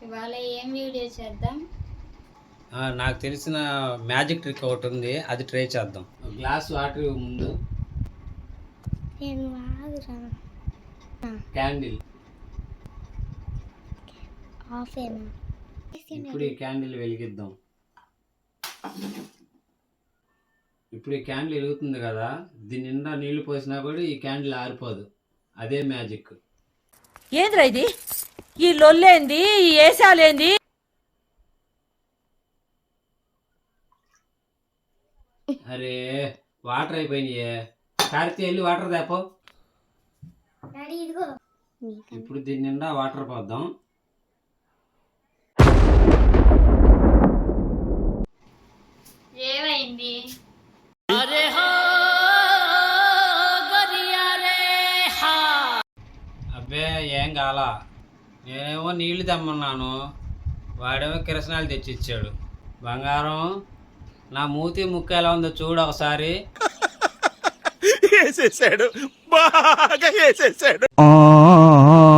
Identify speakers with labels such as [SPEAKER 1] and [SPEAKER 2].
[SPEAKER 1] ఇవాళ ఏం వీడియో చేద్దాం?
[SPEAKER 2] నాకు తెలిసిన మ్యాజిక్ ట్రిక్ ఒకటి ఉంది, అది ట్రై చేద్దాం. గ్లాస్ వాటర్ ముందు క్యాండిల్ ఇప్పుడు ఈ క్యాండిల్ వెలిగిద్దాం. ఇప్పుడు ఈ క్యాండిల్ వెలుగుతుంది కదా, దీని నిండా నీళ్లు పోసినా కూడా ఈ క్యాండిల్ ఆరిపోదు. అదే మ్యాజిక్.
[SPEAKER 3] ఏంద్రా ఇది? ఈ లొల్లేంది, ఈ ఏసాలేంది?
[SPEAKER 2] అరే వాటర్ అయిపోయినాయే, కార్తీ వెళ్ళి వాటర్ తేపో. ఇప్పుడు దీని నిండా వాటర్ పోద్దాం.
[SPEAKER 1] ఏమైంది?
[SPEAKER 2] అబ్బే ఏం కాలా, నేనేమో నీళ్లు తెమ్మన్నాను, వాడేమో కిరసనాలు తెచ్చిచ్చాడు. బంగారం, నా మూతి ముక్క ఎలా ఉందో చూడు ఒకసారి.
[SPEAKER 4] వేసేసాడు, బాగా వేసేసాడు.